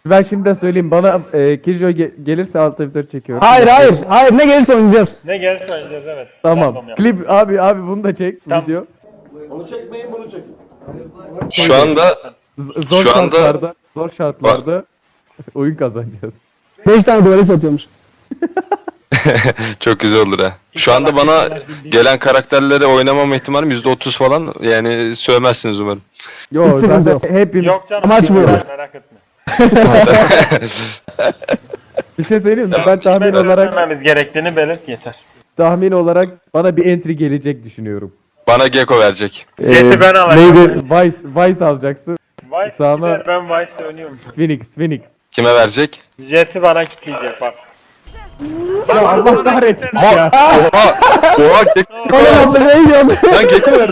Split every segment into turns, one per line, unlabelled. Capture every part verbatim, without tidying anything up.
Ben şimdiden söyleyeyim bana e, Killjoy ge- gelirse alt F dört çekiyorum.
Hayır hayır hayır ne gelirse oynayacağız.
Ne gelirse oynayacağız evet.
Tamam.
Random yap.
Klip abi abi bunu da çek
Tamam.
video.
Şu anda
Z- zor
Şu anda-
şartlarda, zor şartlarda oyun kazanacağız.
beş tane duvarı satıyormuş.
çok güzel olur ha. Şu anda bana gelen karakterleri oynamam ihtimalim yüzde otuz falan. Yani sövmezsiniz umarım.
Yo
Hiç sıkıntı
zaten
yok.
hepimiz
Yok canım.
Amaç bu.
Merak etme.
bir şey söyleyeyim mi? Ben tahmin olarak
Söylememiz gerektiğini belirt yeter.
tahmin olarak bana bir entry gelecek düşünüyorum.
Bana Gecko verecek.
Jet'i ben alacağım.
Neydi? Vice, Vice alacaksın.
Vice
Sağına-
gider, ben Vice oynuyorum.
Phoenix, Phoenix.
Kime verecek?
Jet'i bana kitleyecek bak.
Ya Allah kahretsin
Oha!
ya.
Oha! Oha! Gecko!
Oğlum abla ne yiyorsun?
Lan Gecko verdi.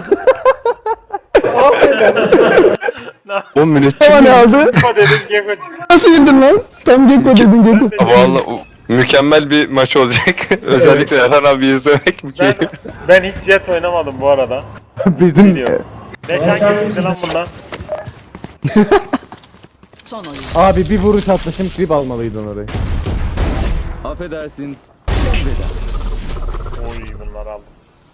on müneccim
Ama ne
mi?
aldı?
O dedim Gecko çıktı.
Nasıl yedin lan? Tam Gekko dedin Gekko.
Valla mükemmel bir maç olacak. Özellikle Erhan abi izlemek
Ben,
mükemmel.
ben hiç Jet oynamadım bu arada.
Bizim
Biliyorum. Ne şanslı lan bundan.
Son oyun.
abi bir vuruş atmışım klip almalıydın orayı.
Affedersin.
Oy bunlar aldım.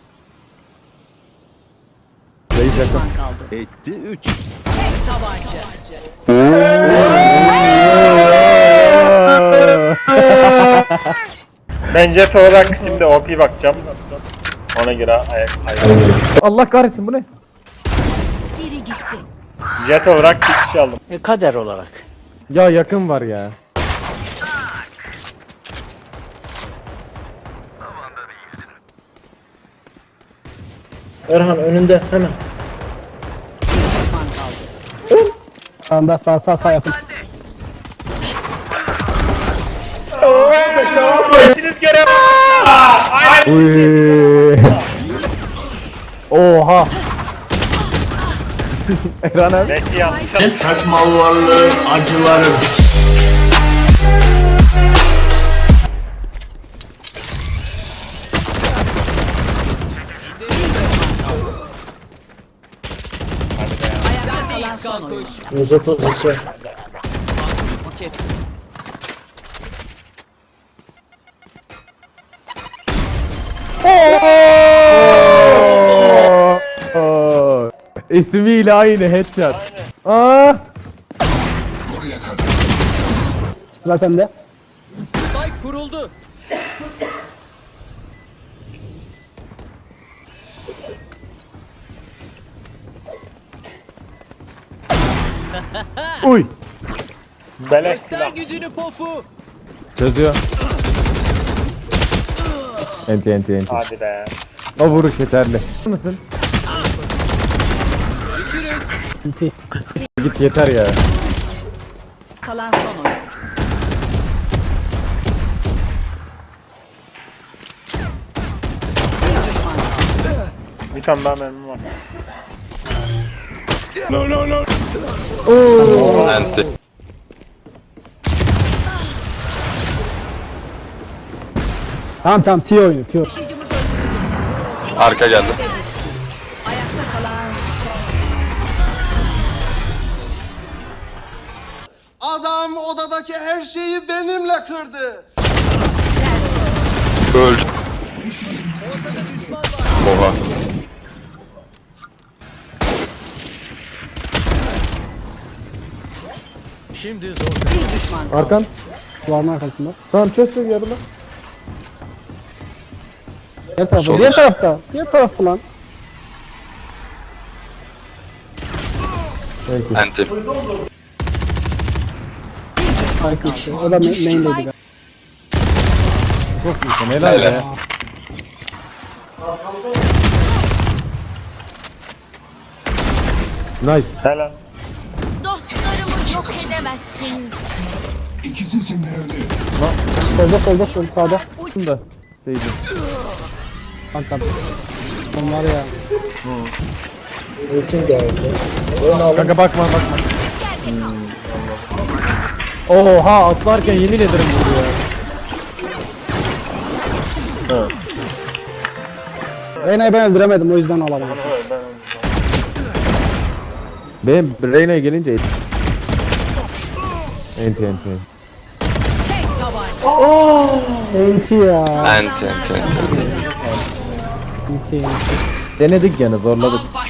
Reis yakın.
Düşman kaldı.
Etti üç.
Tabanca.
Ben Jet olarak şimdi O P bakacağım. Ona göre ayak ayak.
Allah kahretsin bu ne?
Biri gitti.
Jet olarak bir kişi aldım.
Kader olarak.
Ya yakın var ya.
Erhan önünde hemen.
Düşman kaldı.
Sağında sağ sağ sağ yapın.
İkiniz görev.
Uy. Oha. Erhan abi.
Belki yanlış
Saçmalığı, acıları.
Ayakta kalan son oyun.
yüz otuz iki.
Oo. İsmiyle aynı headshot. Aa.
Sıra sende.
Spike kuruldu.
Uy.
beleş
Göster
silah.
gücünü pofu.
Çözüyor. Enti enti enti.
Hadi be.
O vuruş yeterli. Mısın? Git yeter ya.
Kalan son oyun. Bir düşman kaldı.
Bir tane daha mermim var.
Enti.
Tamam tamam T oyunu T oyunu.
Taşıyıcımız öldürüldü.
Arka geldi.
Ayakta kalan
Adam odadaki her şeyi benimle kırdı.
Öldü. Oha.
Şimdi zor.
bir düşman kaldı.
Arkan.
Duvarın arkasında.
Tamam çöz çöz yarıla.
Diğer tarafta.
Sol.
Diğer tarafta. Diğer tarafta lan.
Peki.
Enti.
Harika işte. O da ma- main'deydi galiba.
Çok iyisin helal
Helal.
ya. Nice.
Helal.
Dostlarımı yok edemezsiniz.
Solda solda solda sağda.
Bunu da Seydi.
Bak bak. Onlar ya.
Ultim geldi. Onu alın.
Kanka bakma bakma. Oha atlarken yemin ederim vurdu ya.
Reyna'yı ben öldüremedim o yüzden alamadım.
Benim Reyna'ya gelince Enti enti.
Tek tabanca.
Enti ya.
Ent ent ent.
Enti enti.
Denedik gene zorladık.